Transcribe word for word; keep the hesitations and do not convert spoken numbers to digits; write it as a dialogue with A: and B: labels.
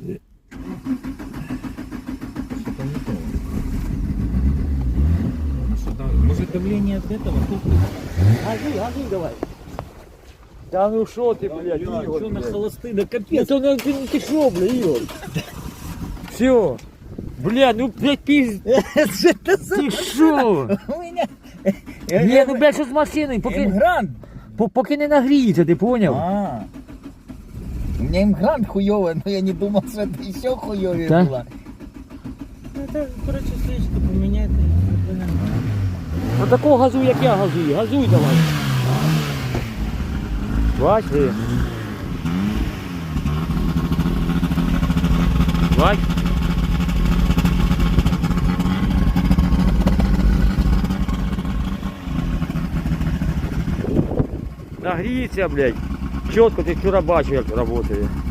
A: Что-то не то. Ну, что-то- Может давление от этого?
B: Газуй, газуй давай. Да ну шо ты, блядь, Игорь,
A: Что на
B: блядь.
A: холосты, да
B: Ну
A: капец.
B: то ну ты, ты шо, блядь, Игорь? Все. Бля, ну блядь, пиздец.
C: Что это за...
B: Ты шо?
C: У меня...
B: Ні, ну блядь, що з машиною, поки,
C: Имгрант.
B: по- поки не нагріється, ти поняв?
C: А. У меня имгрант хуёвый, но я не думал, что это еще хуёвее
B: Да?
C: было.
A: Ну, это, короче, свечку поменять.
B: Ну такого газуй, як я газую, газуй давай. Бач ти. Бач. Нагріється, блядь. Чітко ти вчора бачив, як працює.